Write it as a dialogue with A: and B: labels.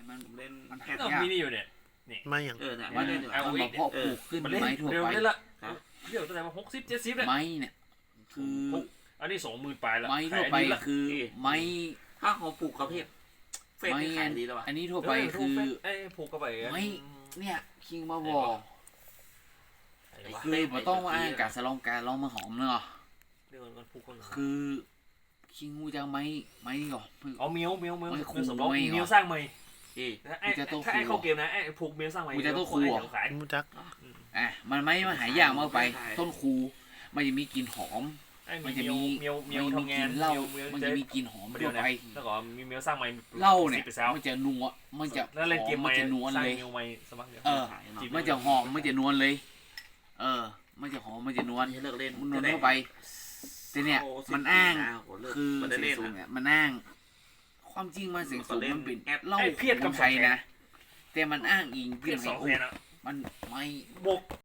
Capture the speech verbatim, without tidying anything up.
A: มัน
B: ผมเล่น
A: มัน
B: แฮ
A: หา
B: ด
C: ก็
A: ยาก
C: มีนี่อยู่เนี่ยนี่
D: ไม่อย่าง
B: เออเนี่ย
A: มั
B: มาน เล่นอยู่
C: เอา
A: มันมาเพาะปลูกขึ้น
C: มัน
A: ไม้ทั่ว
C: เร็ว
A: ไป
C: นี่ละ
B: ครับ
C: เดี๋ยวตั้งแต่มาหกสิบเจ็ดสิบเนี่ย
A: ไม้เนี่ยคือ
C: อันนี้สองหมื่นปลายแล้ว
A: ไม้ทั่วไปคือไม้
B: ถ้าเขาปลูกกระเพาะเฟส
A: ไม้
B: นี่ขายดีแล้ววะ
A: อันนี้ทั่วไปคือ
C: ไอ้ผูกเข้าไป
A: ไม้เนี่ยคิงมาบอก
C: ไอ้วะ
A: คือมันต้องมาอ้างการสลองการลองมาหอมเนาะ
C: เดี๋ยวมันผูกคน
A: คือคิงงูจะไม้ไม้นี่ก่อน
C: เอาเมียวเมียวเมียว
A: ไม่
C: เมียว
A: คู่
C: สำรอง
A: ไม่เหรอ
C: เมียวสร้างใหม่
B: เอ๊ะ
C: ไอ้
A: มันจะต้อง
C: ถ้าไอ้
A: คู่
C: เข้าเกมนะไอ้ผูกเมียวสร้างใหม่
A: มันจะต้องคู่เหรอ
C: ขาย
D: มูจัก
A: อ่ะมันไม่มาหายากมากไป ต้นคูมันจะมีกลิ่นหอม
C: ไอ้
A: มันจะ
C: เมียว
A: มี
C: เมียวเมียว
A: มันมี
C: ทำงาน
A: กลิ่นเหล้า
C: เมียว
A: มัน
C: เมี
A: จะ
C: ยว
A: มีกลิ่นหอม
C: เดี
A: ทั่
C: ยว
A: ว
C: นะ
A: ไป
C: แล้วก็มีเมียวสร้างใหม่
A: เหล้าเนี่ย
C: สิบไปแล้ว
A: มันจะนัวมันจะ
C: แล้วเล่นเกม
A: ห
C: ให
A: อ
C: ม่
A: มันจะนวล
C: สร้าง
A: เลย
C: เมียวใหม่สมัครเดียว
A: เออ
B: ขายเนาะ
A: มันจะหอมมันจะนวลเลย เออ มันจะหอมมันจะนวล
B: เลิกเล่น
A: มันนวลเข้าไปแต่เนี่ยมันอ้างคือ
B: มันได้
A: เสีย
B: เล่น
A: งสูง
B: นะ
A: เนี่ยมันอ้าง ความจริงมันเสียงสูงมันเป็น
B: แอป
A: เหล้า
C: ไอ้เพี้ยนกับ
A: ของไทยนะแต่มันอ้างอิง
C: เพี้ยนสองแสนอ่ะ
A: มันไม่
C: บวก